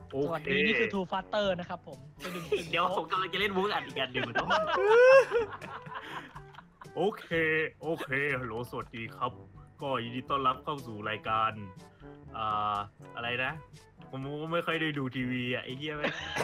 โอสวัสเคดีนี่คือ Two Faster นะครับผมเดี๋ยวผมกำลังจะเล่นมุกอันอีกอันหนึ่งต้องโอเคฮัลโหลสวัสดีครับก็ยินดีต้อนรับเข้าสู่รายการอ่อะไรนะผมก็ไม่ค่อยได้ดูทีวีอ่ะไอ้เหี้ยไม่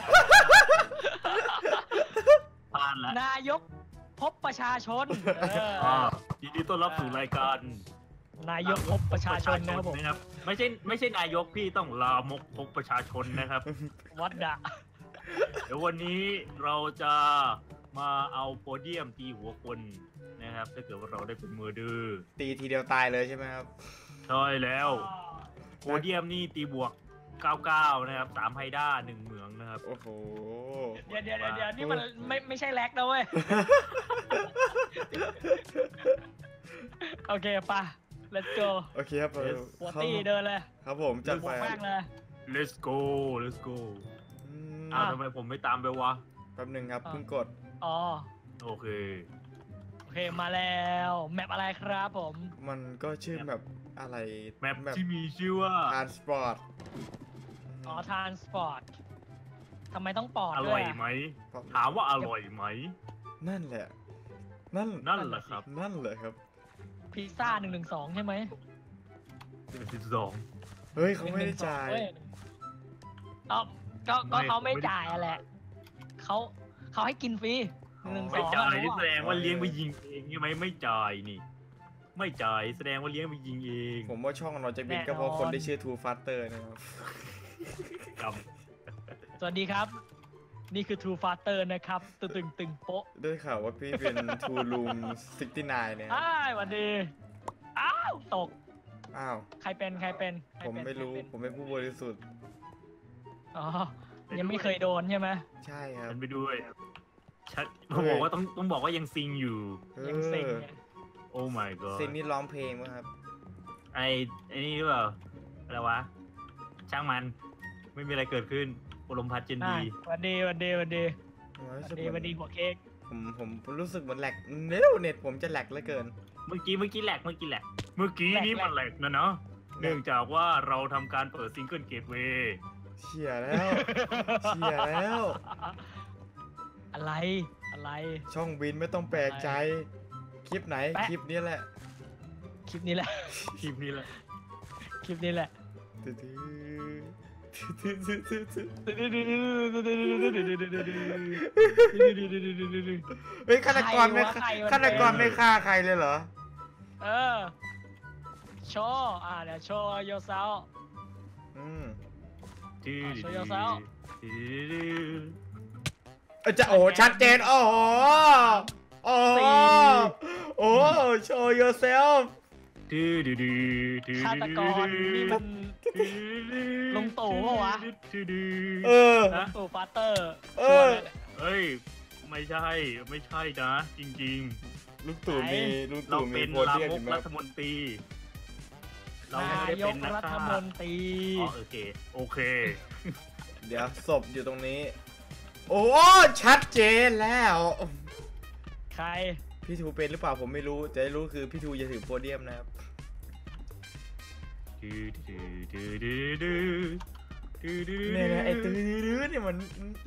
พลาดละนายกพบประชาชนยินดีต้อนรับสู่รายการนายกพบประชาชนนะครับผมไม่ใช่นายกพี่ต้องลามกพบประชาชนนะครับวัดดะเดี๋ยววันนี้เราจะมาเอาโพเดียมตีหัวคนนะครับถ้าเกิดว่าเราได้เป็นมือดื้อตีทีเดียวตายเลยใช่ไหมครับใช่แล้วโพเดียมนี่ตีบวก 99 นะครับ3ไฮด้า1เหมืองนะครับโอ้โหเดี๋ยวนี่มันไม่ใช่แลกนะเว้ย โอเคป่ะ let's go โอเคครับหัวตีเดินเลยครับผมจัดหัไปวแป้งเลย let's go อืมอ้าวทำไมผมไม่ตามไปวะแป๊บหนึ่งครับเพิ่งกดอ๋อโอเคโอเคมาแล้วแมปอะไรครับผมมันก็ชื่อแบบอะไรแมปที่มีชื่อว่าทานสปอร์ตอ๋อ transport ทำไมต้องปอดอด้ร่วอยยไหมถามว่าอร่อยไหมนั่นแหละ นั่นนั่นแหละครับนั่นแหละครับพิซซ่า112ใช่ไหม 12 เฮ้ยเขาไม่ได้จ่ายเว้อ๋อก็เขาไม่จ่ายอะแหละเขาให้กินฟรี112 ไม่จ่ายนี่แสดงว่าเลี้ยงไปยิงเองใช่ไหมไม่จ่ายนี่ ไม่จ่ายแสดงว่าเลี้ยงไปยิงเองผมว่าช่องเราจะบินก็เพราะคนที่ชื่อทูฟาสเตอร์นะครับกรรมสวัสดีครับ นี่คือ True Faster นะครับตึงโป๊ะได้ข่าวว่าพี่เป็นทูลุง69เนี่ยอ้ายสวัสดี อ้าวตกอ้าวใครเป็นผมไม่รู้ ผมเป็นผู้บริสุทธิ์อ๋อ ยังไม่เคยโดนใช่ไหมใช่ครับฉันไปด้วยชัดผมบอกว่าต้องบอกว่ายังซิงอยู่ยังเซ็งเนี่ยโอ้ my god ซินนี่ร้องเพลงมั้งครับไอ้นี่หรือเปล่าอะไรวะ ช่างมัน ไม่มีอะไรเกิดขึ้นอารมณ์พัดเจนดีสวัสดีหัวเค้กผมรู้สึกเหมือนแหลกเน็ตผมจะแหลกเหลือเกินเมื่อกี้แหลกนี่มันแหลกนะเนาะเนื่องจากว่าเราทำการเปิดซิงเกิลเกตเวย์เชียแล้วเชียแล้วอะไรช่องบินไม่ต้องแปลกใจ คลิปไหนแปะคลิปนี้แหละคลิปนี้แหละคลิปนี้แหละคลิปนี้แหละเฮ้ยฆาตกรไม่ใครวะฆาตกรไม่ฆ่าใครเลยเหรอเออ โชว์เดี๋ยวโชว์โยเซลอืม show yourself จะโอ้ชัดเจนโอ้โหโอ้โหโอ้โชว์ yourself ฆาตกรนี่มันลุงตู่ปะวะเออตู่ฟาสเตอร์เออเฮ้ย ไม่ใช่นะจริงลุงตู่มีลุงๆ เราตู่มีเป็นโพลาเดียมมเห็กนไหมรัฐมนตรี เราไม่นาได้ยเป็กนนักรัฐฆ่ามนตรีอ๋อโอเคเดี๋ยวศพอยู่ตรงนี้ โอ้ชัดเจนแล้วใครพี่ทูเป็นหรือเปล่าผมไม่รู้แต่รู้คือพี่ทูจะถือโพเดียมนะครับเนี่ยนะไอ้ตื้อเนี่ยมัน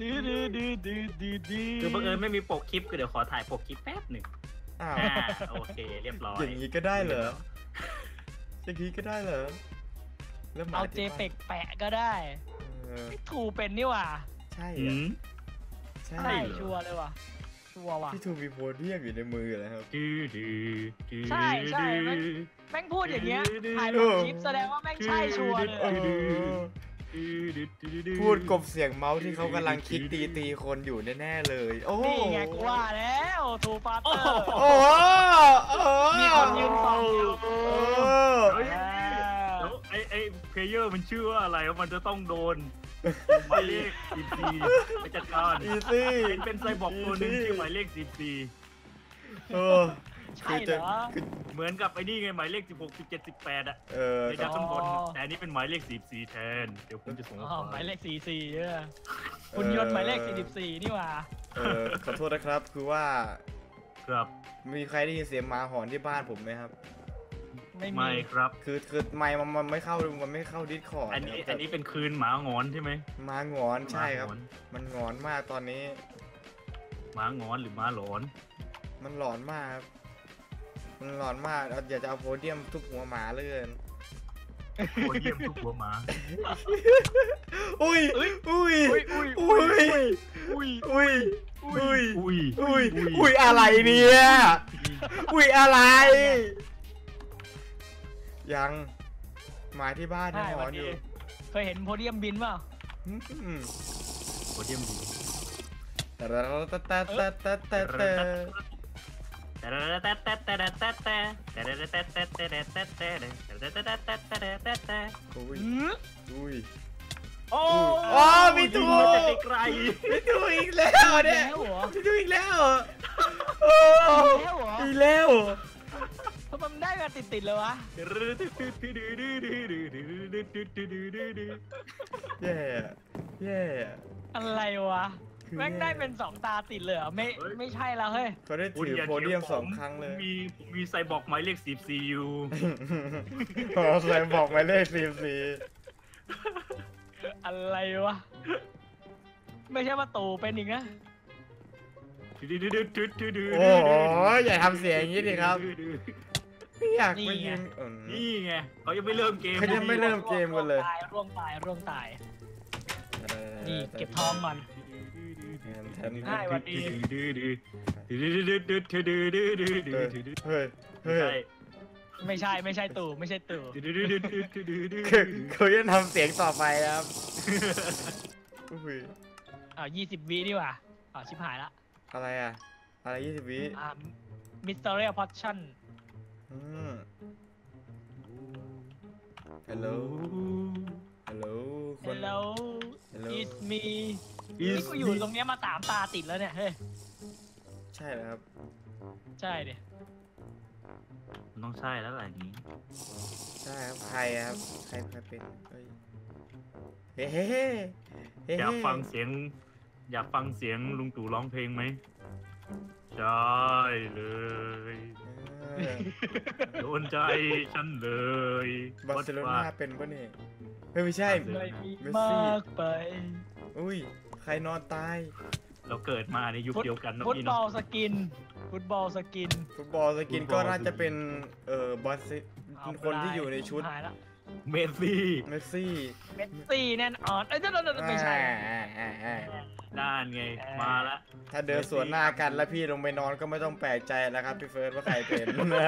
คือบังเอิญไม่มีปกคลิปก็เดี๋ยวขอถ่ายปกคลิปแป๊บหนึ่งอ้าวโอเคเรียบร้อยอย่างนี้ก็ได้เหรออย่างนี้ก็ได้เหรอแล้วหมเอายเจถึงว่าเปกแปะก็ได้เออไม่ถูเป็นนี่หว่าใช่อือะมใช่ใช่ชัวร์เลยว่ะ ชัวร์ว่ะพี่ทูมีโพเดียมอยู่ในมือแล้วครับใช่แม่งพูดอย่างเงี้ยถ่ายบนคลิปแสดงว่าแม่งใช่ชัวร์เลยเออพูดกบเสียงเมาส์ที่เขากำลังคลิกตีคนอยู่แน่ๆเลย โอ้นี่ไงกูว่าแล้วทูฟาสเตอร์โอ้โหมีคนยืนส่องอยู่เฮ้ยแล้วไอ้เพลเยอร์มันชื่อว่าอะไรวะมันจะต้องโดนหมายเลข14ไปจัดการอีซี่เป็นไซบอร์กตัวหนึงชื่อหมายเลขเออใช่เหรอ 14เหมือนกับไอ้นี่ไงหมายเลข16 17 18อ่ะเออในดับต้นบนแต่อันนี้เป็นหมายเลข14แทนเดี๋ยวผมจะส่งอ๋อหมายเลข44เนี่ยคุณยนต์หมายเลข44นี่หว่าขอโทษนะครับคือว่าครับมีใครได้ยินเสียงหมาหอนที่บ้านผมไหมครับไม่มีไม่ครับคือไม่มันไม่เข้าดิสคอร์ดอันนี้เป็นคืนหมาหงอนใช่ไหมมาหงอนใช่ครับหมาหงอนมันหงอนมากตอนนี้หมาหงอนหรือหมาหลอนมันหลอนมากครับมันหลอนมากอยากจะเอาโพเดียมทุบหัวหมาเลยโคตรเยี่ยมทุกหัวหมาอุ้ยอุ้ยอุ้ยอุ้ยอุ้ยอุ้ยอุ้ยอุ้ยอุ้ยอุ้ยอุ้ยอุ้ยอะไรเนี่ยอุ้ยอะไรยังหมาที่บ้านยังหอนอยู่เคยเห็นโพเดียมบินเปล่าโคตรเยี่ยมดีแต่อุ้ยหืมอุ้ยโอ้โอ้มีตัวยิงมาจากไกลไม่ดูอีกแล้วเนี่ยแล้วเหรอไม่ดูอีกแล้วโอ้แล้วเหรออีกแล้วทำไมมันได้มาติดเลยวะแย่แย่อะไรวะคือแม่งได้เป็น2 ตาติดเลยเหรอไม่ใช่แล้วเฮ้ยเขาได้ถือโพเดียม2 ครั้งเลยผมมีไซบอร์กหมายเลข10 CU พอใครบอกหมายเลข44 อะไรวะ ไม่ใช่ว่าตู่เป็นอีกนะโอ้โหอย่าทำเสียงอย่างนี้ดิครับไม่อยากไปยิงนี่ไงเขายังไม่เริ่มเกมเขายังไม่เริ่มเกมกันเลยร่วงตาย นี่เก็บทองก่อน ใช่วันดีเฮ้ยเฮ้ยไม่ใช่ตู่ไม่ใช่ตู่เขาจะทำเสียงต่อไปครับอุ้ย 20 วิดีกว่าชิบหายละอะไรอ่ะอะไร20 วิ Mystery Potion ฮัลโหลฮัลโหลคน Hello Hello it's me นี่กูอยู่ตรงเนี้ยมา3 ตาติดแล้วเนี่ยเฮ้ยใช่แล้วครับใช่ดิมันต้องใช่แล้วแหละอย่างนี้ใช่ครับใครครับใครเป็นเฮ้ยเฮ้เฮ้เฮ้เฮ้อยากฟังเสียงลุงตู่ร้องเพลงไหมใช่เลย โดนใจฉันเลยบาร์เซโลนาเป็นปะเนี่ยเฮ้ยไม่ใช่ไม่มีเมสซี่มากไปอุ้ยใครนอนตายเราเกิดมาในยุคเดียวกันนะฟุตพี่บอเนาะลสกินฟุตบอลสกินฟุตบอลสกินก็น่าจะเป็นบอลซิเอาไปคนที่อยู่ในชุดหายละเมสซี่เมสซี่เมสซี่แน่นอนเอ้ยไม่ใช่ด้านไงมาละถ้าเดินสวนหน้ากันแล้วพี่ลงไปนอนก็ไม่ต้องแปลกใจแล้วครับพี่เฟิร์สว่าใครเป็น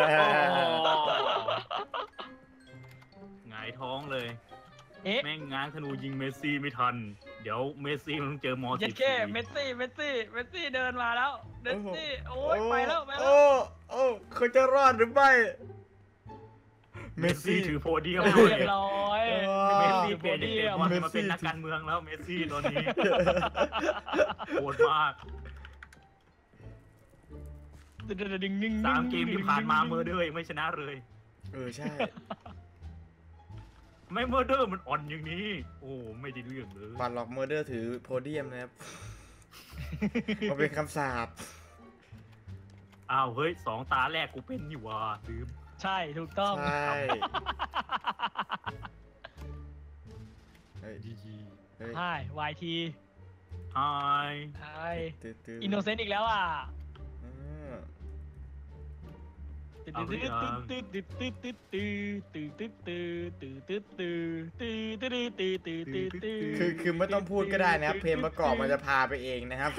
หงายท้องเลยเอ๊ะแม่งง้างธนูยิงเมสซี่ไม่ทัน เดี๋ยวเมสซี่มันต้องเจอมอยัสิดแค่เมสซี่เดินมาแล้วเมสซี่โอ้ยไปแล้วโอ้เขาจะรอดหรือไม่เมสซี่ถือโพเดียมเรีด้วยยบร้อยเมสซี่เปลี่ยนจากเตะบอลมาเป็นนักการเมืองแล้วเมสซี่ตอนนี้โหดมาก3 เกมที่ผ่านมาเมอร์เดอร์ยังไม่ชนะเลยใช่ไม่เมอร์เดอร์มันอ่อนอย่างนี้ โอ้ไม่ได้เรื่องเลยปันล็อกเมอร์เดอร์ถือโพเดียมนะครับมันเป็นคำสาปอ้าวเฮ้ย2 ตาแรกกูเป็นนี่หว่าลืมใช่ถูกต้องใช่เฮ้ยดีจีเฮ้ยใช่ YT ไฮใช่ตื้ออินโนเซนต์อีกแล้วอ่ะอืม คือไม่ต้องพูดก็ได้นะครับเพลงประกอบมันจะพาไปเองนะครับ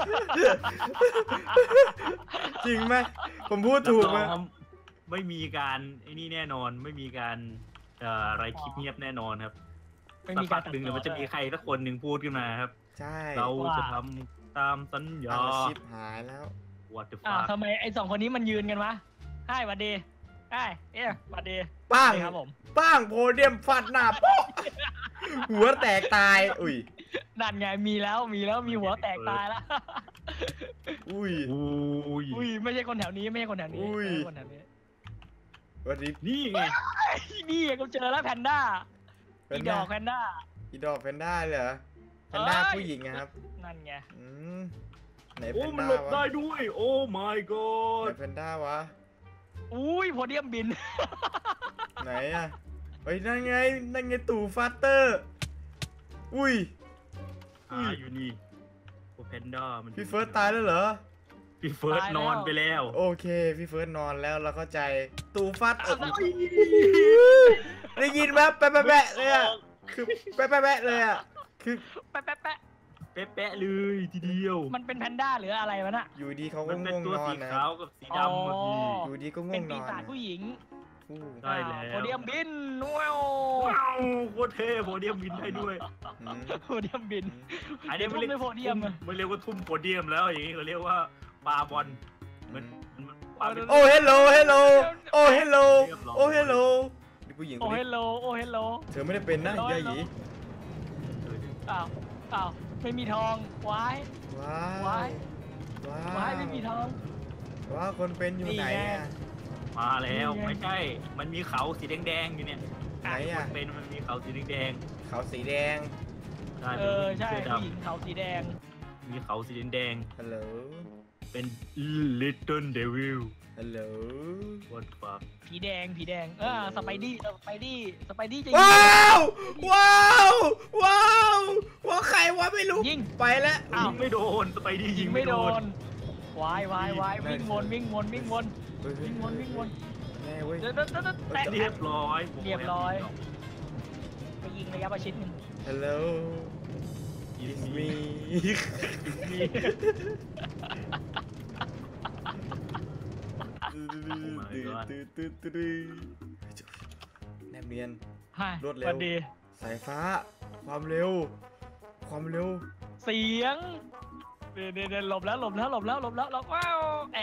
จริงไหมผมพูดถูกไหมไม่มีการไอ้นี่แน่นอนไม่มีการอะไรคลิปเงียบแน่นอนครับไม่มีสักาก รพักหนึ่งเดี๋ยวมันจะมีใครสักคนหนึ่งพูดขึ้นมาครับใช่เราจะทำตามสัญญาชิปหายแล้ว What the อ้าว fuck ทำไมไอ้2 คนนี้มันยืนกันวะใช่หวัดดีใช่หวัดดีป้างครับผมป้างโพเดียมฟาดหน้าโป๊ะหัวแตกตาย อุ้ยนั่นไงมีแล้วมีหัวแตกตายแล้วอุ้ยอุ้ยไม่ใช่คนแถวนี้ไม่ใช่คนแถวนี้อุ้ยไม่ใช่คนแถวนี้วันนี้นี่ไงนี่กูเจอแล้วแพนด้าอีดอกแพนด้าอีดอกแพนด้าเหรอแพนด้าผู้หญิงนะครับนั่นไงไหนแพโอ้นมันด้าหลบวะได้ด้วย โอ้ my ไหน god แพนด้าวะอุ้ยโพเดียมบินไหนอะเฮ้ยนั่นไงตู่ฟาสเตอร์อุ้ยอยู่นี่โอแพนด้ามันพี่เฟิร์สตายแล้วเหรอพี่เฟิร์สนอนไปแล้วโอเคพี่เฟิร์สนอนแล้วเราเข้าใจตู่ฟาสได้ยินไหมแปะเลยอะคือแปะเลยอะคือแปะแปะเลยทีเดียวมันเป็นแพนด้าหรืออะไรวะน่ะอยู่ดีเขามัก็นเป็นง่วงตัวนอสีนนะขาวกับสีดำเมื่อกี้อยู่ดีก็ง่เป็วน งนปีอนศาจผู้หญิงอู้ได้แล้วโพเดียมบินว้าวว้าวโคตรเท่โพเดียมบินได้ด้วยอืมโพเดียมบินอันนี้ทุ่มด้วยโพเดียมอะไม่เรียกว่าทุ่มโพเดียมแล้วอย่างนี้เขาเรียกว่าปาบอลเหมือนปาเป็นโอ้เฮลโลโอ้เฮลโลโอ้เฮลโลนี่ผู้หญิงคโอ้นเฮนี้ลโลโอ้เฮลโลเธอไม่ได้เป็นนะยาหยีอ้าวไม่มีทองว้ายว้าวว้าย ว้ายไม่มีทองว้าวคนเป็นอยู่ไหนนี่ไงอะมาแล้วนี่ไงไม่ใช่ มันมีเขาสีแดงๆอยู่เนี่ยไหนอะมันมีเขาสีแดงเขาสีแดงๆใช่ใช่เป็นผู้หญิงเขาสีแดงมีเขาสีแดงฮัลโหลๆเป็น Little Devil ฮัลโหล What the fuck ผีแดงสไปดี้จะว้าวว้าวว้าวว่าใครวะไม่รู้ยิงไปแล้วอ้าวยิงไม่โดนสไปดี้ยิยิงงไม่ไม่โดโดนนวายววิ่งวนวิ่งวนเฮ้ยวิ่งวนแน่เว้ยเดี๋ยวแตะเรียบร้อยเรียบร้อย ไปยิงระยะประชิดหนึ่งฮัลโหลยิง it's มี me แนบเนียน รวดเร็วสวัสดีสายฟ้า ความเร็วเสียงเดี๋ยวหลบแล้วว้าวแอะ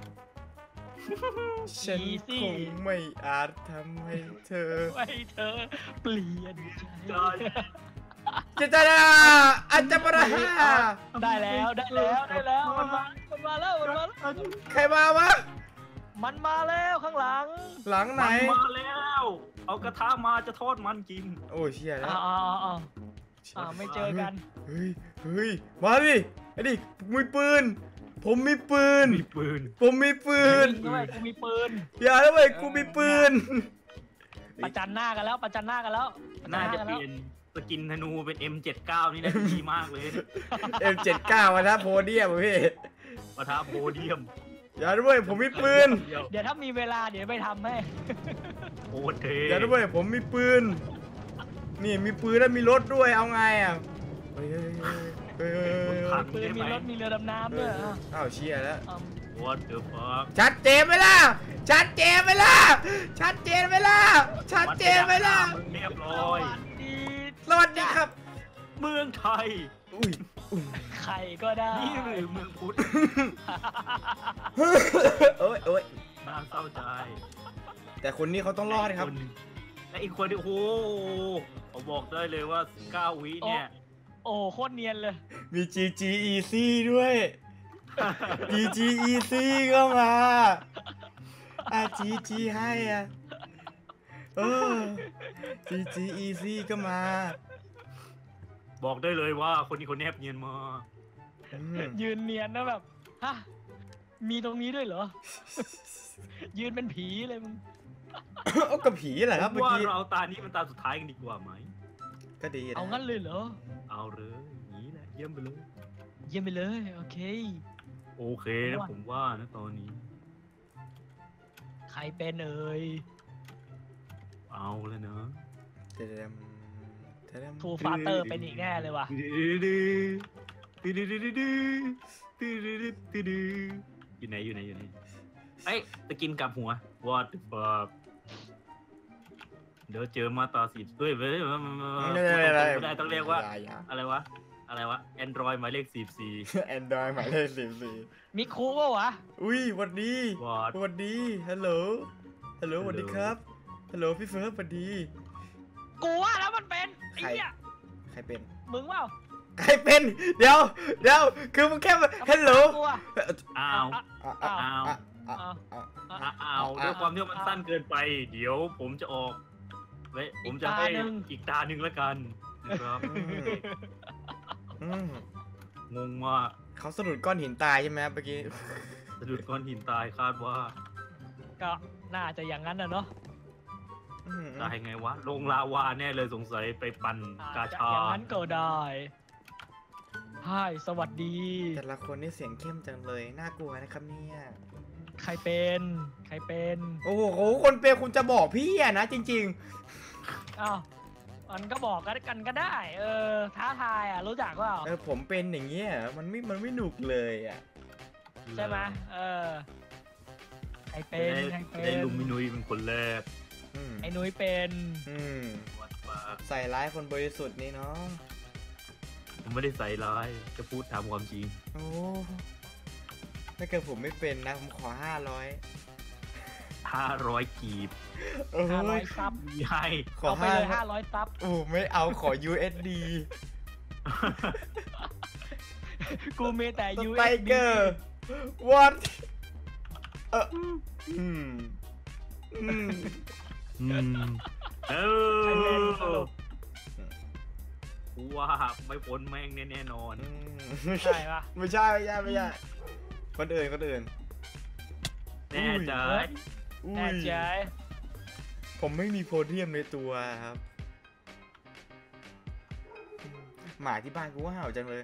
ฉัน Easy คงไม่อาจทำให้เธอให้เธอเปลี่ยนใจจะจะอาจจะประหาได้แล้วมันมาแล้วใครมาวะมันมาแล้วข้างหลังหลังไหนมันมาแล้ว เอากระทะมาจะทอดมันกินโอ้ยเชี่ยแล้วไม่เจอกันเฮ้ย มาดิไอ้ดิมีปืน ผมมีปืนมีปืนผมมีปืนด้วยกูมีปืนอย่าแล้วเว้ยกูมีปืนประจันหน้ากันแล้วน่าจะเปลี่ยนสกินธนูเป็น M79 นี่นะดีมากเลย M79 มาทับโพเดียมพี่ปะทะโพเดียมอย่าด้วยผมมีปืนเดี๋ยวถ้ามีเวลาเดี๋ยวไปทำให้โคตรเท่อย่าด้วยผมมีปืน นี่มีปืนแล้วมีรถด้วยเอาไงอ่ะเฮ้ยปืนมีรถมีเรือดำน้ำด้วยอ้าวเชี่ยแล้ว What the fuck ชัดเจนไหมล่ะ ชัดเจนไหมล่ะ ชัดเจนไหมล่ะ ชัดเจนไหมล่ะมึงเรียบร้อยสวัสดีครับเมืองไทยอุ้ยใครก็ได้นี่หรือเมืองพุทธโอ้ยน่าเศร้าใจแต่คนนี้เขาต้องรอดครับและอีกคนที่โอ้โหผมบอกได้เลยว่า9วิเนี่ยโอ้โคตรเนียนเลยมี GG Easy ด้วย GG Easy ก็มาGG ให้อ่ะGG Easy ก็มาบอกได้เลยว่าคนนี้คนแนบเนียนมายืนเนียนนะแบบฮะมีตรงนี้ด้วยเหรอ ยืนเป็นผีเลยมึงเอากับผีเหรอครับผมเมื่อว่ากี้เราเอาตานี้เป็นตาสุดท้ายกันดีกว่าไหมก็ดีนะเอางั้นเลยเหรอเอาเลยอย่างนี้แหละเยี่ยมไปเลยเยี่ยมไปเลยโอเคโอเคนะผมว่านะตอนนี้ใครเป็นเอ่ยเอาแล้วเนอะทูฟาเตอร์เป็นอีกแน่เลยว่ะอยู่ไหนเอ้ยตะกินกับหัว What the fuck เดี๋ยวเจอมาตราสีเฮ้ยไม่ได้ต้องเรียกว่าอะไรวะ Android หมายเลข44 Android หมายเลขมิคูปะวะอุ้ยหวัดดี What หวัดดีฮัลโหลหวัดดีครับฮัลโหลพี่เฟิร์สหวัดดีกูว่าแล้วมันเป็นไอ้เนี่ยใครเป็นมึงเปล่าใครเป็นเดี๋ยวคือมึงแค่ฮัลโหลกูอะอ้าวด้วยความที่มันสั้นเกินไป เดี๋ยวผมจะออกเว้ยผมจะให้อีกตาหนึ่งแล้วกันนะครับงงมากเขาสะดุดก้อนหินตายใช่ไหมครับเมื่อกี้สะดุดก้อนหินตายคาดว่าก็น่าจะอย่างนั้นนะเนาะได้ไงวะลงลาวาแน่เลยสงสัยไปปั่นกาชาอย่างนั้นก็ได้嗨สวัสดีแต่ละคนนี่เสียงเข้มจังเลยน่ากลัวนะครับเนี่ยใครเป็นใครเป็นโอ้โหคนเป็นคุณจะบอกพี่อะนะจริงอ้าวมันก็บอกกันก็ได้ ท้าทายอ่ะรู้จักว่าๆผมเป็นอย่างเงี้ยมันไม่หนุกเลยอ่ะใช่ไหมใครเป็นใครเป็ได้นลุงมินุยเป็นคนแรกไอ้นุ้ยเป็นวัดปากใส่ร้ายคนบริสุทธิ์นี่เนาะผมไม่ได้ใส่ร้ายจะพูดตามความจริงโอ้ถ้าเกิดผมไม่เป็นนะผมขอ 500กีบโอ้ย 500 ซับมีให้ขอเอาไปเลย500 ซับโอ้ไม่เอาขอ USD กูมีแต่ส USD ไตเกอร์ what เอใครเป็นสรุอปกูว่าไม่พ้นแม่งแน่นอนใช่ปะไม่ใช่คนอื่นแน่ใจอุ้แน่ยใจผมไม่มีโพเดียมในตัวครับ หมาที่บ้านกูว่าเห่าจังเลย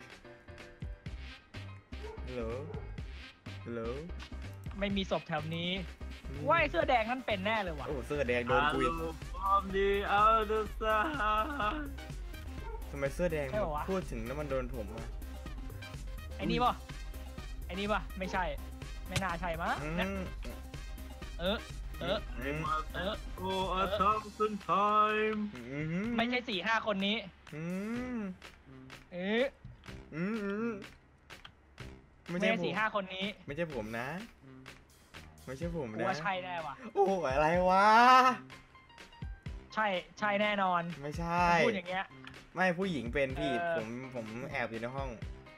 ฮัลโหลฮัลโหลไม่มีศพแถวนี้ว่าไอ้เสื้อแดงนั่นเป็นแน่เลยว่ะโอ้เสื้อแดงโดนกูอีก from the other side ทำไมเสื้อแดงพูดถึงแล้วมันโดนผมอะไอ้นี่ป่ะไอ้นี่ป่ะไม่ใช่ ไม่น่าใช่มั้งอืเนี่ยมเออ Oh, a thousand time ไม่ใช่4-5 คนนี้อืมเอออืมไม่ไม่ใช่ใช่ผม 4-5 คนนี้ไม่ใช่ผมนะ ไม่ใช่ผมกูนะว่าใช่แน่ว่ะโอ้อะไรวะใช่แน่นอนไม่ใช่พูดอย่างเงี้ยไม่ผู้หญิงเป็นพี่ ผมแอบอยู่ในห้อง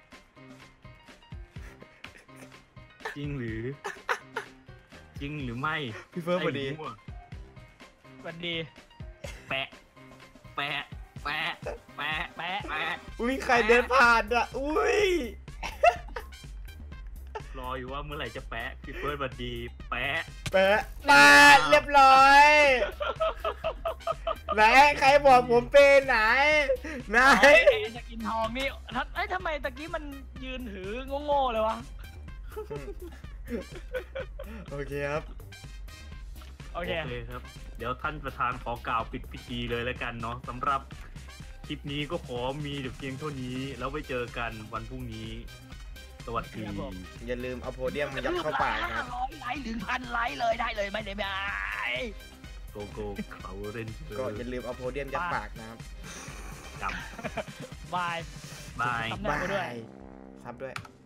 จริงหรือ จริงหรือไม่พี่เฟิร์สพอดีไมั่วสวัสดีแปะ แปะ แปะ แปะแปะแปะอุ้ยใครเดินผ่านอ่ะ อุ้ยรออยู่ว่าเมื่อไหร่จะแปะพี่เฟิร์สบัดดี แปะแปะมาเรียบร้อย ไหนใครบอกผมเป็นไหน ไหนไอ้สกินทองนี่ทำไมตะกี้มันยืนถือโง่ๆเลยวะโอเคครับโอเคครับ เดี๋ยวท่านประธานขอกล่าวปิดพิธีเลยแล้วกันเนาะสำหรับคลิปนี้ก็ขอมีแต่เพียงเท่านี้ แล้วไปเจอกันวันพรุ่งนี้ สวัสดีครับผมอย่าลืมเอาโพเดียมมายัดเข้าปากนะครับ 500 ไลค์ถึง1,000 ไลค์เลยได้เลยไม่ได้ไม่โกโก้เขาเล่นก็อย่าลืมเอาโพเดียมยัดปากนะครับจบายำบายทำหน้าไปด้วยครับด้วย